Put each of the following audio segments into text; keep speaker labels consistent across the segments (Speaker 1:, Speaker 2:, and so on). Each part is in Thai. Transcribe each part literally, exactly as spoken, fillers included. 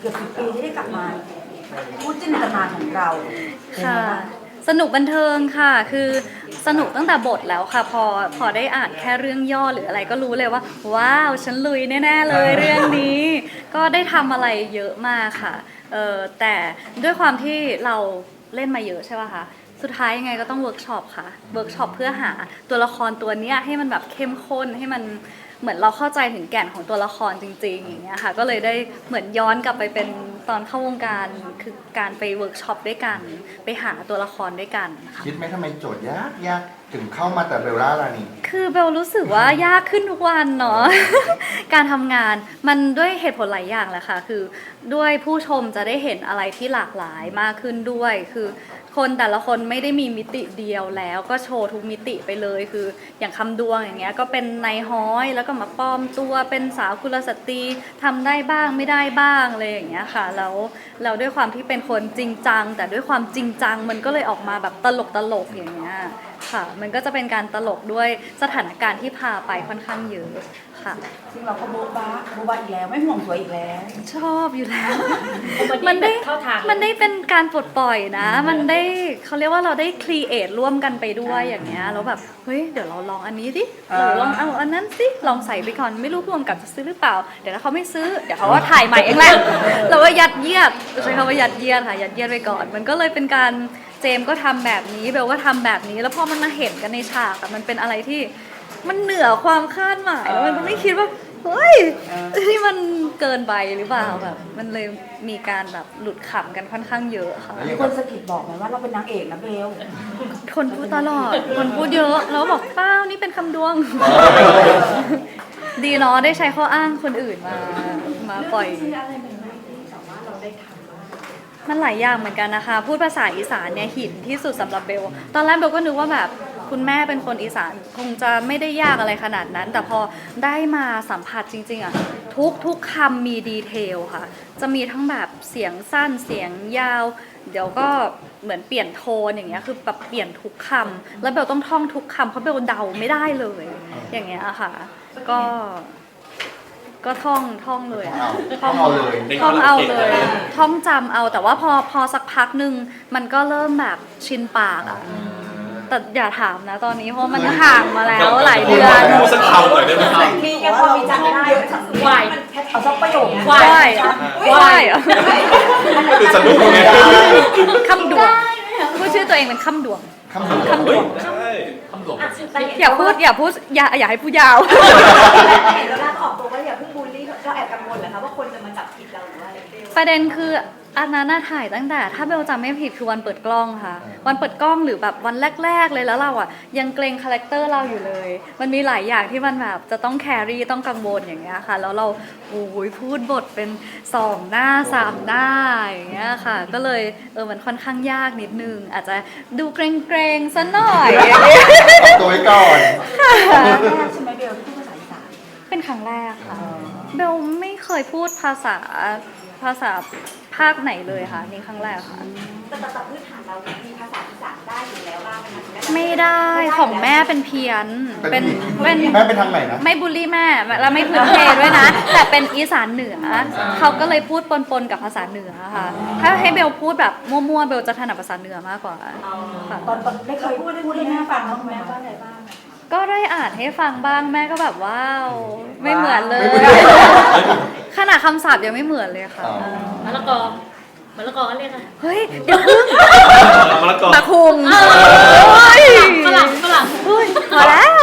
Speaker 1: เกือบสิบปีที่ได้กลับมาพูดจินตนาของเรา
Speaker 2: ค่ะสนุกบันเทิงค่ะคือสนุกตั้งแต่บทแล้วค่ะพอพอได้อ่านแค่เรื่องย่อหรืออะไรก็รู้เลยว่าว้าวฉันลุยแน่ๆเลยเรื่องนี้ก็ได้ทำอะไรเยอะมากค่ะเออแต่ด้วยความที่เราเล่นมาเยอะใช่ป่ะคะสุดท้ายยังไงก็ต้องเวิร์กช็อปค่ะเวิร์กช็อปเพื่อหาตัวละครตัวเนี้ยให้มันแบบเข้มข้นให้มันเหมือนเราเข้าใจถึงแก่นของตัวละครจริงๆอย่างเงี้ยค่ะก็เลยได้เหมือนย้อนกลับไปเป็นตอนเข้าวงการคือการไปเวิร์กช็อปด้วยกันไปหาตัวละครด้วยกันค่ะ
Speaker 3: คิดไหมทำไมโจทย์ยากยากถึงเข้ามาแต่เบลล่ารานี
Speaker 2: คือเบลรู้สึกว่ายากขึ้นทุกวันเนาะ การทำงานมันด้วยเหตุผลหลายอย่างแหละค่ะคือด้วยผู้ชมจะได้เห็นอะไรที่หลากหลายมากขึ้นด้วยคือคนแต่ละคนไม่ได้มีมิติเดียวแล้วก็โชว์ทุกมิติไปเลยคืออย่างคำดวงอย่างเงี้ยก็เป็นนายฮ้อยแล้วก็มาปลอมตัวเป็นสาวกุลสตรีทำได้บ้างไม่ได้บ้างอะไรอย่างเงี้ยค่ะแล้วแล้วด้วยความที่เป็นคนจริงจังแต่ด้วยความจริงจังมันก็เลยออกมาแบบตลกตลกอย่างเงี้ยค่ะมันก็จะเป็นการตลกด้วยสถานการณ์ที่พาไปค่อนข้างเยอะค่ะ
Speaker 1: ซึ่งเราก็โบ๊ะบ้าโบ๊ะบ้าอีกแล้วไม่ห่วงสวยอีกแล้ว
Speaker 2: ชอบอยู่แล้ว มันได้มันได้เป็นการปลดปล่อยนะมันได้เขาเรียกว่าเราได้ครีเอทร่วมกันไปด้วยอย่างเงี้ยแล้วแบบเฮ้ยเดี๋ยวเราลองอันนี้ดิเราลองเอาอันนั้นสิลองใส่ไปก่อนไม่รู้ผู้กำกับจะซื้อหรือเปล่าเดี๋ยวถ้าเขาไม่ซื้อเดี๋ยวเขาว่าถ่ายใหม่เองแหละเราก็ยัดเยียดใช้คำว่ายัดเยียดค่ะยัดเยียดไปก่อนมันก็เลยเป็นการเจมก็ทำแบบนี้เบลก็ทำแบบนี้แล้วพอมันมาเห็นกันในฉากมันเป็นอะไรที่มันเหนือความคาดหมายแล้วมันไม่คิดว่าเฮ้ยที่มันเกินไปหรือเปล่าแบบมันเลยมีการแบบหลุดขำกันค่อนข้างเยอะค่ะ
Speaker 1: มีคนสะกิดบอกไหมว่าเราเป็นนางเอกนะเบล
Speaker 2: คนพูดตลอดคนพูดเยอะแล้วบอกเป้านี่เป็นคำดวงดีเนาะได้ใช้ข้ออ้างคนอื่นมามาปล่อยมันหลายอย่างเหมือนกันนะคะพูดภาษาอีสานเนี่ยหินที่สุดสำหรับเบลตอนแรกเบลก็นึกว่าแบบคุณแม่เป็นคนอีสานคงจะไม่ได้ยากอะไรขนาดนั้นแต่พอได้มาสัมผัสจริงๆอ่ะทุกทุกคำมีดีเทลค่ะจะมีทั้งแบบเสียงสั้นเสียงยาวเดี๋ยวก็เหมือนเปลี่ยนโทนอย่างเงี้ยคือแบบเปลี่ยนทุกคำแล้วเบลต้องท่องทุกคำเพราะเบลเดาไม่ได้เลยอย่างเงี้ยค่ะก็ก็ท่องท่องเลย
Speaker 3: ท่องเอาเลย
Speaker 2: ท่องเอาเลยท่องจำเอาแต่ว่าพอพอสักพักหนึ่งมันก็เริ่มแบบชินปากอ่ะแต่อย่าถามนะตอนนี้เพราะมันห่างมาแล้วหลายเดือน
Speaker 4: พูดสักคำหน่อยได้ไหมครับ
Speaker 1: มีแค่พอมีจำได้วายเอาสักประโยค
Speaker 2: วายวายอ่ะ
Speaker 4: คือสนุกไง
Speaker 2: คำดวงพูดชื่อตัวเองเป็นคำดวง
Speaker 3: คำดวง
Speaker 2: คำดวง
Speaker 4: ใช่คำดวง
Speaker 2: อย่าพูดอย่าพูดอย่าอย่าให้พูดยาว
Speaker 5: เห็นแล้วล่าออกตัวว่าอย่าเพิ่งบูลลี่เราแอบกังวลเหรอคะว่าคนจะมาจับผิดเราหรือว่าอะไร
Speaker 2: ประเด็นคืออันนั้นน่าถ่ายตั้งแต่ถ้าเบลจำไม่ผิดคือวันเปิดกล้องค่ะวันเปิดกล้องหรือแบบวันแรกๆเลยแล้วเราอ่ะยังเกรงคาแรคเตอร์เราอยู่เลยมันมีหลายอย่างที่มันแบบจะต้องแครี่ต้องกังวลอย่างเงี้ยค่ะแล้วเราโอ้ยพูดบทเป็นสองหน้าสามหน้าอย่างเงี้ยค่ะก็เลยเออมันค่อนข้างยากนิดนึงอาจจะดูเกรงๆซะหน่อย
Speaker 3: ตัวไว้ก่อน
Speaker 1: ใช่ไหมเบลที่พูดภาษาอีสาน
Speaker 2: เป็นครั้งแรกค่ะเบลไม่เคยพูดภาษาภาษาภาคไหนเลยค่ะนี่ครั้งแรกค่ะ
Speaker 5: แต่แต่พื้นฐานเรามีภาษาอีสานได้อยู่แล้วบ้างไหม
Speaker 2: ไม่ได้ของแม่เป็นเพี้ยนเป็น
Speaker 3: เป็นแม่เป็นทางไหนนะ
Speaker 2: ไม่บูลลี่แม่แล้วไม่พื้นเพด้วยนะแต่เป็นอีสานเหนือเขาก็เลยพูดปนๆกับภาษาเหนือค่ะถ้าให้เบลพูดแบบมั่วๆเบลจะถนัดภาษาเหนือมากกว่า
Speaker 1: ค่ะตอนได้เคยพูดพูดให้แม่ฟังบ้างไหมว่าอะไรบ้าง
Speaker 2: ก็ได้อ่านให้ฟังบ้างแม่ก็แบบว้าวไม่เหมือนเลยขนาดคำศัพท์ยังไม่เหมือนเลยค่ะ
Speaker 5: มะละกอมะละกอก็เรียกอะไร
Speaker 2: เฮ้ยเดี๋ยวพึ่ง
Speaker 4: มะละกอ
Speaker 2: มะคุง
Speaker 5: ฝรั่งฝรั่ง
Speaker 2: พอแล้ว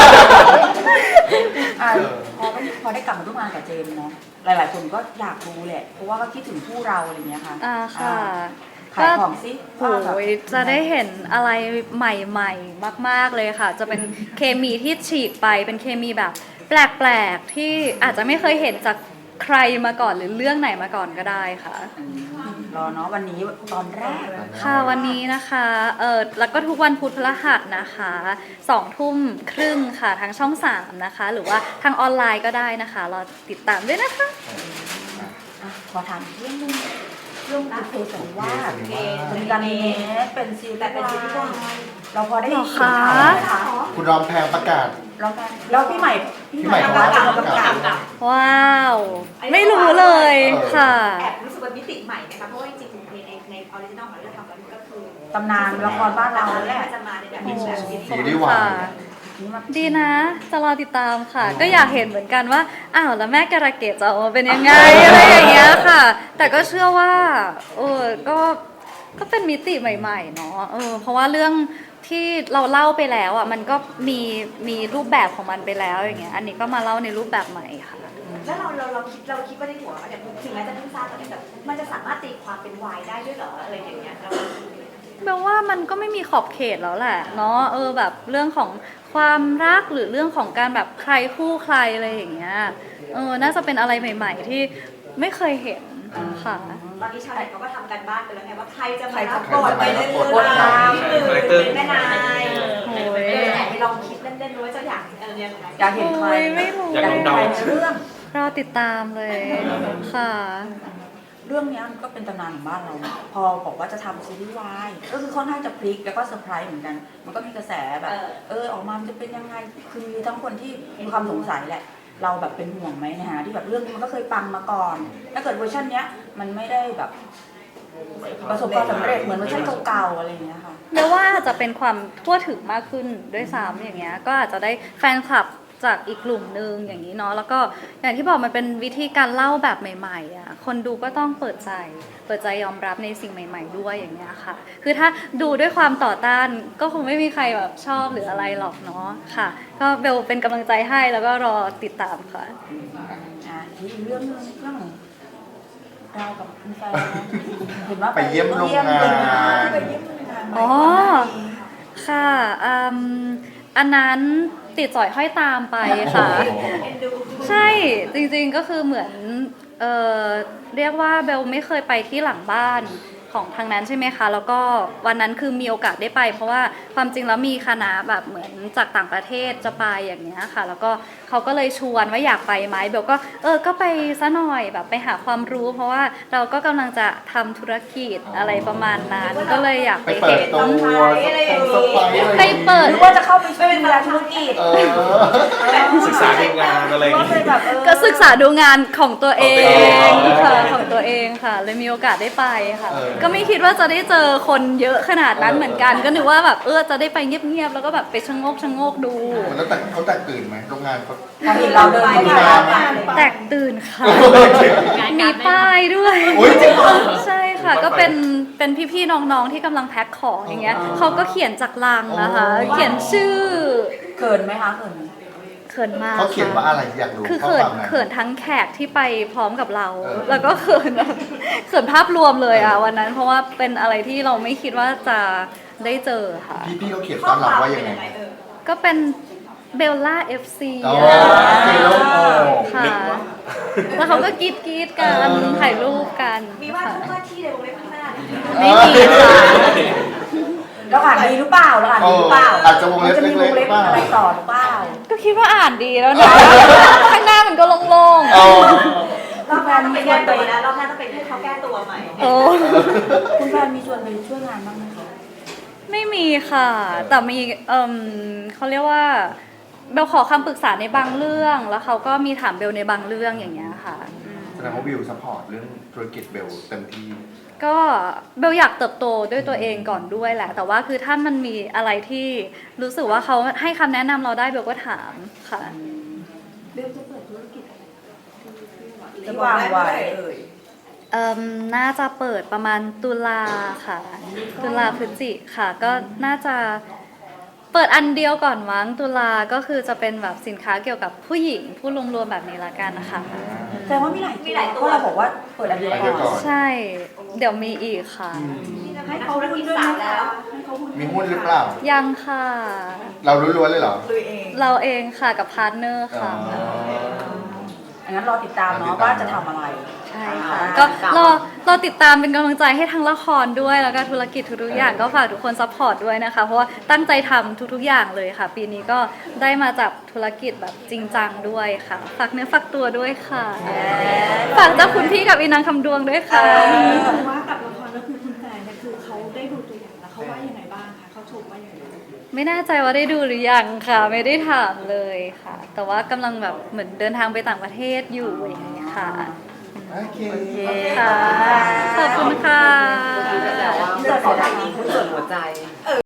Speaker 1: พอพอได้กลับมาร่วมงานกับเจมส์เนาะหลายๆคนก็อยากรู้แหละเพราะว่าก็คิดถึงคู่เราอะไรเงี้ยค่ะ
Speaker 2: อ่าค่ะ
Speaker 1: ขายของซิ
Speaker 2: โอ้ยจะได้เห็นอะไรใหม่ๆมากๆเลยค่ะจะเป็นเคมีที่ฉีกไปเป็นเคมีแบบแปลกๆที่อาจจะไม่เคยเห็นจากใครมาก่อนหรือเรื่องไหนมาก่อนก็ได้ค่ะ
Speaker 1: รอเนาะวันนี้ตอนแรก
Speaker 2: ค่ะวันนี้นะคะเออแล้วก็ทุกวันพุธพฤหัสนะคะสองทุ่มครึ่งค่ะทางช่องสามนะคะหรือว่าทางออนไลน์ก็ได้นะคะรอติดตามด้วยนะคะ
Speaker 1: ขอถามเรื่องนึงเรื่องบุพเพสันนิวาสเป็นการเนสเป็นซีรีส์แต่เป็นซีรีส์เราพอได้
Speaker 2: เห็น
Speaker 1: ข่าวไหมคะ
Speaker 3: คุณรอมแพงประกาศ
Speaker 1: แล้วพี่ใหม่
Speaker 3: พี่ใหม่เขาประกาศ
Speaker 2: ว้าวไม่รู้เลยค่ะ
Speaker 5: แอบรู้สึกเป็นมิติใหม่นะคะเพราะว่าจริงๆในในออริจินอลของเราทำกันก็คือ
Speaker 1: ตำนานละครบ้านเราแหละ
Speaker 5: จะมาในแบบนี้แบบนี้
Speaker 3: ซีรีส์วาย
Speaker 2: ดีนะ จะรอติดตามค่ะ ก็อยากเห็นเหมือนกันว่าอ้าวแล้วแม่การะเกดจะออกมาเป็นยังไง อะไรอย่างเงี้ยค่ะ แต่ก็เชื่อว่าเออก็ก็เป็นมิติใหม่ๆเนาะเออเพราะว่าเรื่องที่เราเล่าไปแล้วอ่ะมันก็มีมีรูปแบบของมันไปแล้วอย่างเงี้ยอันนี้ก็มาเล่าในรูปแบบใหม่ค่ะ
Speaker 5: แล้วเราเราเราคิดเราคิดว่าในหัวเนี่ยถึงแม้จะเพิ่งทราบตอนนี้แต่มันจะสามารถตีความเป็นวายได้ด้วยเหรออะไรอย่างเงี้ยเรา
Speaker 2: แปลว่ามันก็ไม่มีขอบเขตแล้วแหละเนาะเออแบบเรื่องของความรักหรือเรื่องของการแบบใครคู่ใครอะไรอย่างเงี้ยเออน่าจะเป็นอะไรใหม่ ๆ ที่ไม่เคยเห็นค่ะ
Speaker 5: ตอนนี้ชาวเน็ตเขาก็ทำกันบ้านไปแล้วไงว่าใครจะมา
Speaker 1: ใคร
Speaker 5: รั
Speaker 1: จะ
Speaker 5: บบทไปเรื่อย
Speaker 1: บทนำ
Speaker 5: ๆหรือเป็นแม่นาย
Speaker 2: โอ้ย
Speaker 5: เออแอบไปลองคิดเล่นๆดูว่าจะอยากเออยังไง
Speaker 1: อยากเห็นใคร
Speaker 2: โอ้ยไม่รู้
Speaker 4: อยากลองเดา
Speaker 1: ใครในเรื่อง
Speaker 2: รอติดตามเลยค่ะ
Speaker 1: เรื่องเนี้ยมันก็เป็นตำนานของบ้านเรานะพอบอกว่าจะทำซีรีส์วายก็คือค่อนข้างจะพลิกแล้วก็เซอร์ไพรส์เหมือนกัน มันก็มีกระแสแบบ เออออกมามันจะเป็นยังไงคือมีทั้งคนที่มีความสงสัยแหละ เราแบบเป็นห่วงไหมนะฮะที่แบบเรื่องนี้มันก็เคยปังมาก่อน ถ้าเกิดเวอร์ชันเนี้ยมันไม่ได้แบบประสบความสำเร็จเหมือนเวอร์ชันเก่าๆอะไรอย่างเงี้ยค่ะ
Speaker 2: เดี๋ยวว่าอาจจะเป็นความทั่วถึงมากขึ้นด้วยซ้ำอย่างเงี้ยก็อาจจะได้แฟนคลับจากอีกกลุ่มหนึ่งอย่างนี้เนาะแล้วก็อย่างที่บอกมันเป็นวิธีการเล่าแบบใหม่ๆอ่ะคนดูก็ต้องเปิดใจเปิดใจยอมรับในสิ่งใหม่ ๆ ด้วยอย่างเงี้ยค่ะคือถ้าดูด้วยความต่อต้านก็คงไม่มีใครแบบชอบหรืออะไรหรอกเนาะค่ะก็เบลเป็นกำลังใจให้แล้วก็รอติดตามค่ะ
Speaker 1: อ่ะทีอีกเรื่องหนึงเรื่องเรากับคุณแฟนเห็นว่า
Speaker 3: ไปเยี่ยมโรงงาน
Speaker 1: ไปเยี่ยมโรงงาน
Speaker 2: อ๋อ ค่ะอืมอันนั้นติดสอยห้อยตามไปค่ะ
Speaker 5: เอ็นดู
Speaker 2: ใช่ จริงๆ ก็คือเหมือน เออเรียกว่าเบลไม่เคยไปที่หลังบ้านของทางนั้นใช่ไหมคะ แล้วก็วันนั้นคือมีโอกาสได้ไป เพราะว่าความจริงแล้วมีคณะแบบเหมือนจากต่างประเทศจะไปอย่างเงี้ยค่ะ แล้วก็เขาก็เลยชวนว่าอยากไปไหมเบลก็เออ ก็ไปซะหน่อยแบบไปหาความรู้ เพราะว่าเราก็กำลังจะทำธุรกิจอะไรประมาณนั้น ก็เลยอยาก
Speaker 3: ไป
Speaker 2: ไป
Speaker 3: เปิ
Speaker 2: เห็
Speaker 3: ด
Speaker 2: น
Speaker 3: ตัวสไปร์อะไร
Speaker 2: ไปเปิด
Speaker 1: หรือว่าจะเข้าไปช่วยดูแลธุรกิจ
Speaker 3: เออ
Speaker 4: ศึกษาดูงานอะไรอย่าง
Speaker 1: ก็
Speaker 4: งี้
Speaker 1: เลยแบบเออ
Speaker 2: ก็ศึกษาดูงานของตัวเอง
Speaker 4: ของตัวเอง
Speaker 2: ค่ะของตัวเองค่ะ เลยมีโอกาสได้ไปค่ะ
Speaker 3: เออ
Speaker 2: ก็ไม่คิดว่าจะได้เจอคนเยอะขนาดนั้นเหมือนกัน ก็นึกว่าแบบเออจะได้ไปเงียบๆแล้วก็แบบไปชะโงกชะโงกดู
Speaker 3: แล้วแต่เขาแตกตื่นไหมโรงงานเขา
Speaker 1: พอเห็นเราเดินเข้ามาแล้วเนี่ย
Speaker 2: แตกตื่นค่ะ มีป้ายด้วย
Speaker 3: อุ๊ยจริงเหรอ
Speaker 2: ใช่ค่ะ ก็เป็นเป็นพี่ๆน้องๆที่กำลังแพ็คของอย่างเงี้ยเขาก็เขียนจากลังนะคะ เขียนชื่อ
Speaker 1: เขินไหมคะเขินไหม
Speaker 2: เขินมาก
Speaker 3: เขาเขียนว่าอะไรอยากรู้
Speaker 2: คือ
Speaker 3: ข้อ
Speaker 2: เขิ
Speaker 3: คน วามนั้น
Speaker 2: เขินทั้งแขกที่ไปพร้อมกับเรา
Speaker 3: เออ
Speaker 2: แล้วก็เขินแบบเขินภาพรวมเลยอ่ะวันนั้น เพราะว่าเป็นอะไรที่เราไม่คิดว่าจะได้เจอค่ะ
Speaker 3: พี่พี่เขาเขียน
Speaker 5: ข้
Speaker 3: ต้
Speaker 5: อ
Speaker 3: อน
Speaker 5: ค
Speaker 3: รับ
Speaker 5: วาม
Speaker 3: ว่า
Speaker 5: เป็
Speaker 3: ยั
Speaker 5: น
Speaker 3: งไง
Speaker 5: ยังไงเออ
Speaker 2: ก็เป็นเบลล่า เอฟ ซี
Speaker 3: อ๋อ
Speaker 2: อะ
Speaker 3: เขียนแล้วโอ้
Speaker 2: ค่ะ แล้วเขาก็กรีดกรีดๆกันถ่ายรูปกัน
Speaker 5: มีว่า
Speaker 2: ค่ะ
Speaker 5: ทุกว่าที่ในวงเล็บข้างหน้าเนี่ย
Speaker 2: ไม่มีค่ะ
Speaker 1: เราอ่านดีหรือเปล่าเราอ่านดีหรือเปล่า
Speaker 3: เอออาจจะวงเล็บ
Speaker 1: มันจะมีวงเล็บ
Speaker 3: เล็กๆบ้าง
Speaker 1: อะไรต่อหรือเปล่า
Speaker 2: ก็คิดว่าอ่านดีแล้วนะ ข้างหน้ามันก็โล่ง
Speaker 3: เอา
Speaker 5: รอบหน้าต้องไปแก้ตัวนะรอบหน้าต้องไปให้เขาแก้ตัวใหม่
Speaker 2: ๆโอ้
Speaker 1: คุณแฟนมีชวนไปช่วยงานบ้างไหมคะ
Speaker 2: ไม่มีค่ะ แต่มีเอ่มเขาเรียกว่าเบลขอคำปรึกษาในบางเรื่อง แล้วเขาก็มีถามเบลในบางเรื่องอย่างเงี้ยค่ะอืม
Speaker 3: แสดงว่าวิวซัพพอร์ตเรื่องธุรกิจเบลเต็มที่
Speaker 2: ก็เบลอยากเติบโตด้วยตัวเองก่อนด้วยแหละ แต่ว่าคือถ้ามันมีอะไรที่รู้สึกว่าเขาให้คำแนะนำเราได้เบลก็ถามค่ะ
Speaker 1: ที่วางไว้
Speaker 2: เอ่มน่าจะเปิดประมาณตุลาค่ะ ตุลาพฤศจิค่ะ ก็น่าจะเปิดอันเดียวก่อนมั้งตุลาก็คือจะเป็นแบบสินค้าเกี่ยวกับผู้หญิงผู้รวมๆแบบนี้ละกันนะคะ
Speaker 1: แสดงว่ามีหลาย
Speaker 5: มีหลายตัว
Speaker 1: เพราะเราบอกว่าเปิดอันเดียว
Speaker 3: อันเดียวก่
Speaker 1: ก่
Speaker 3: อ
Speaker 1: อน น
Speaker 2: ใช่ เดี๋ยวมีอีกค่ะ
Speaker 5: ให้เขาธุรกิจสาวแล้ว
Speaker 3: มีหุ้นหรือเปล่า
Speaker 2: ยังค่ะ
Speaker 3: เราล้วนๆเลยเหรอ
Speaker 5: ลุยเอง
Speaker 2: เราเองค่ะกับพาร์ทเนอร์
Speaker 3: อ๋อ
Speaker 2: ค่ะ
Speaker 1: อันนั้นรอติดตาม
Speaker 3: รอติด
Speaker 1: เนาะ
Speaker 3: ตาม
Speaker 1: ว่าจะทำอะไร
Speaker 2: ใช่ค่ะ
Speaker 1: อ่า
Speaker 2: ก็รอรอติดตามเป็นกำลังใจให้ทั้งละครด้วยแล้วก็ธุรกิจทุกๆอย่างก็ฝากทุกคนซัพพอร์ตด้วยนะคะ เพราะว่าตั้งใจทำทุกๆอย่างเลยค่ะ ปีนี้ก็ได้มาจับธุรกิจแบบจริงจังด้วยค่ะ ฝากเนื้อฝากตัวด้วยค่ะ ฝากเจ้าคุณพี่กับอีนางคำดวงด้วยค่ะ
Speaker 6: ว่ากับละครก็คือคุณแฟนเนี่ยคือเขาได้ดูตัวอย่างแล้วเขาว่ายังไงบ้างคะเขาชมว่ายังไงบ้าง
Speaker 2: ไม่แน่ใจว่าได้ดูหรือยังค่ะ ไม่ได้ถามเลยค่ะ แต่ว่ากำลังแบบเหมือนเดินทางไปต่างประเทศอยู่อย่างเงี้ยค่ะ
Speaker 1: แ
Speaker 3: โอเค
Speaker 1: โอเค
Speaker 2: ค่ะ ขอบคุณค่ะ
Speaker 7: แต่ว่าไม่ได้ขอถ่ายนี้คือส่วนหัวใจ